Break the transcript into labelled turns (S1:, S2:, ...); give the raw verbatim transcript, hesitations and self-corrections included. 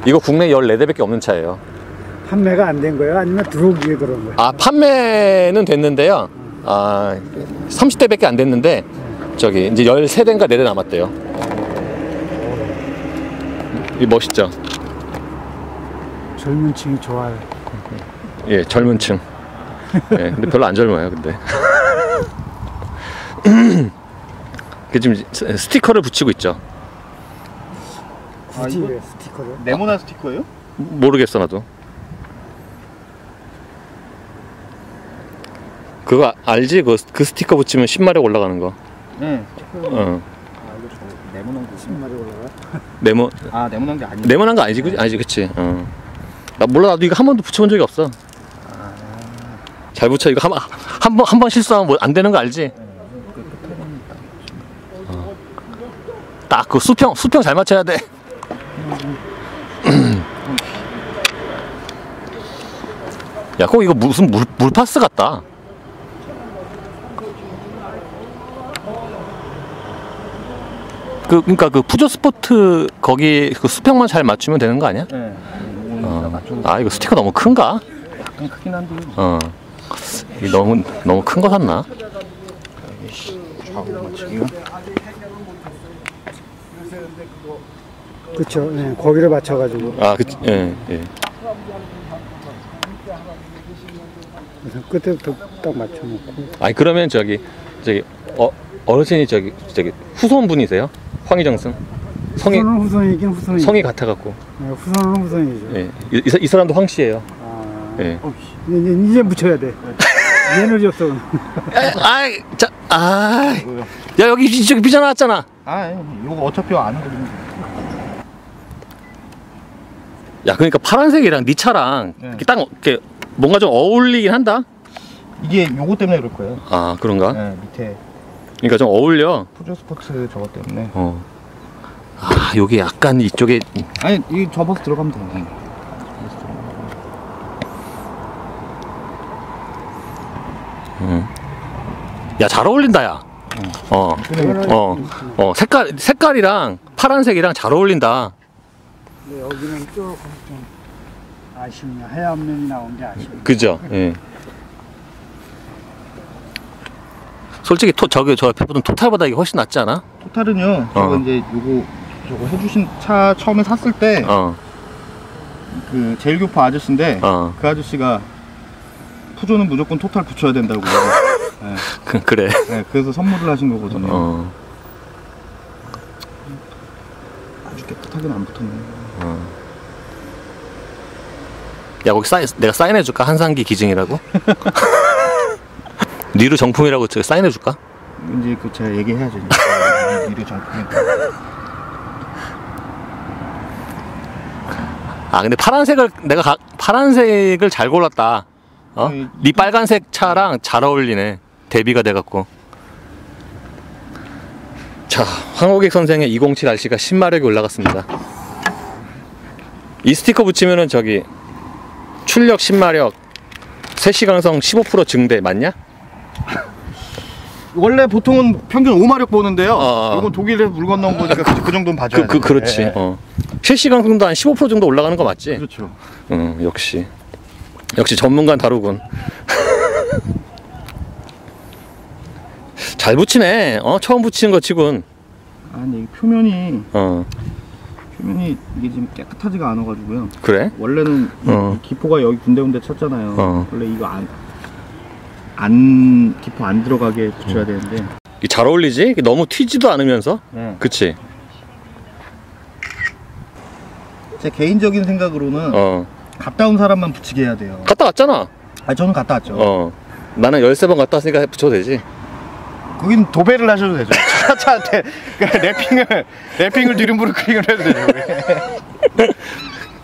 S1: 이거 국내 열네 대밖에 없는 차예요.
S2: 판매가 안 된 거예요? 아니면 들어오기에 그런 거예요?
S1: 아, 판매는 됐는데요. 아, 삼십 대밖에 안 됐는데 저기 이제 열세 대인가 네 대 남았대요. 이 멋있죠?
S2: 젊은 층이 좋아요.
S1: 예, 젊은 층. 예, 근데 별로 안 젊어요, 근데. 그 지금 스티커를 붙이고 있죠.
S2: 굳이 왜 스티커를?
S3: 네모난 스티커예요?
S1: 모르겠어, 나도. 그거 알지? 그, 그 스티커 붙이면 신마력 올라가는 거.
S3: 네.
S1: 어.
S3: 아, 이거 저 네모난 거.
S2: 신발이 올라가?
S1: 네모.
S3: 아, 네모난 게 아니야.
S1: 네모난 거 아니지, 그치? 아니지, 그치? 어. 나 몰라, 나도 이거 한 번도 붙여본 적이 없어.
S3: 아...
S1: 잘 붙여. 이거 한, 한 번, 한 번 실수하면 뭐 안 되는 거 알지? 어. 딱 그 수평, 수평 잘 맞춰야 돼. 야, 꼭 이거 무슨 물, 물파스 같다. 그, 그니까 그 푸조 스포트 거기 그 수평만 잘 맞추면 되는 거 아니야?
S3: 네.
S1: 어. 아, 이거 스티커 너무 큰가?
S3: 약간 크긴 한데.
S1: 어. 이 너무, 너무 큰 거 샀나?
S3: 좌우 맞추기가.
S2: 그쵸. 네, 거기를 맞춰가지고.
S1: 아, 그, 예, 예.
S2: 그래서 끝에부터 딱 맞춰놓고.
S1: 아니, 그러면 저기, 저기, 어, 어르신이 저기, 저기, 후손분이세요? 황희정승? 성이,
S2: 후손은 후손이긴 후손이죠.
S1: 성이 같아가지고.
S2: 네, 후손은 후손이죠.
S1: 예. 이, 이, 이 사람도 황씨예요.
S2: 아,
S1: 예.
S2: 이제, 이제 묻혀야 돼. 얘는 없어.
S1: 아이, 자, 아, 야, 여기 저기 비자 나왔잖아.
S3: 아, 이거 어차피 아는 거거든요.
S1: 야, 그러니까 파란색이랑 네 차랑
S3: 네.
S1: 이렇게 딱 이렇게 뭔가 좀 어울리긴 한다.
S3: 이게 요거 때문에 그럴 거예요.
S1: 아, 그런가?
S3: 네, 밑에
S1: 그러니까 좀 어울려.
S3: 푸조 스포츠 저거 때문에.
S1: 어. 아, 여기 약간 이쪽에.
S3: 아니, 이 접어서 들어가면 돼요.
S1: 음. 야, 잘 어울린다, 야. 어. 어. 어. 색깔 색깔이랑 파란색이랑 잘 어울린다.
S2: 근데 여기는 조금 좀 아쉽네. 하얀 면이 나온 게 아쉽네.
S1: 그죠? 예. 솔직히 토, 저기 저 옆에 보던 토탈보다 이게 훨씬 낫지 않아?
S3: 토탈은요. 저거
S1: 어.
S3: 이제 요거 저거 해주신 차 처음에 샀을 때
S1: 어.
S3: 그 제일교포 아저씨인데
S1: 어.
S3: 그 아저씨가 푸조는 무조건 토탈 붙여야 된다고. 네.
S1: 그, 그래.
S3: 네, 그래서 선물을 하신 거거든요.
S1: 어.
S3: 아주 깨끗하게는 안 붙었네.
S1: 어. 야, 거기 사인, 내가 사인해줄까? 한상기 기증이라고? 니르 정품이라고 제가 사인해줄까?
S3: 이제 그 제가 얘기해야죠. 이래 정품이.
S1: 아, 근데 파란색을 내가 가, 파란색을 잘 골랐다. 어?
S3: 아니,
S1: 네 빨간색 차랑 잘 어울리네. 대비가 돼갖고. 자, 황호객 선생의 이공칠 알씨가 신마력이 올라갔습니다. 이 스티커 붙이면은 저기 출력 신마력 세시강성 십오 퍼센트 증대 맞냐?
S3: 원래 보통은 평균 오마력 보는데요.
S1: 어, 어.
S3: 이건 독일에서 물 건너온 거니까 그, 그 정도는 봐줘야
S1: 그, 그, 그렇지.
S3: 네.
S1: 어. 세시강성도 한 십오 퍼센트 정도 올라가는 거 맞지?
S3: 그렇죠.
S1: 응, 역시. 역시 전문가는 다르군. 잘 붙이네. 어, 처음 붙이는 거 치군.
S3: 아니 표면이
S1: 어,
S3: 표면이 이게 지금 깨끗하지가 않아가지고요.
S1: 그래?
S3: 원래는
S1: 어.
S3: 이 기포가 여기 군데군데 쳤잖아요.
S1: 어.
S3: 원래 이거 안, 안 기포 안 들어가게 붙여야 되는데.
S1: 이게 잘 어울리지? 이게 너무 튀지도 않으면서.
S3: 네.
S1: 그치?
S3: 제 개인적인 생각으로는
S1: 어.
S3: 갔다 온 사람만 붙이게 해야 돼요.
S1: 갔다 왔잖아.
S3: 아 저는 갔다 왔죠.
S1: 어. 나는 열세 번 갔다 왔으니까 붙여도 되지.
S3: 거긴 도배를 하셔도 되죠. 차, 차한테 래핑을 래핑을 뒤름부를 클릭을 해도 되죠.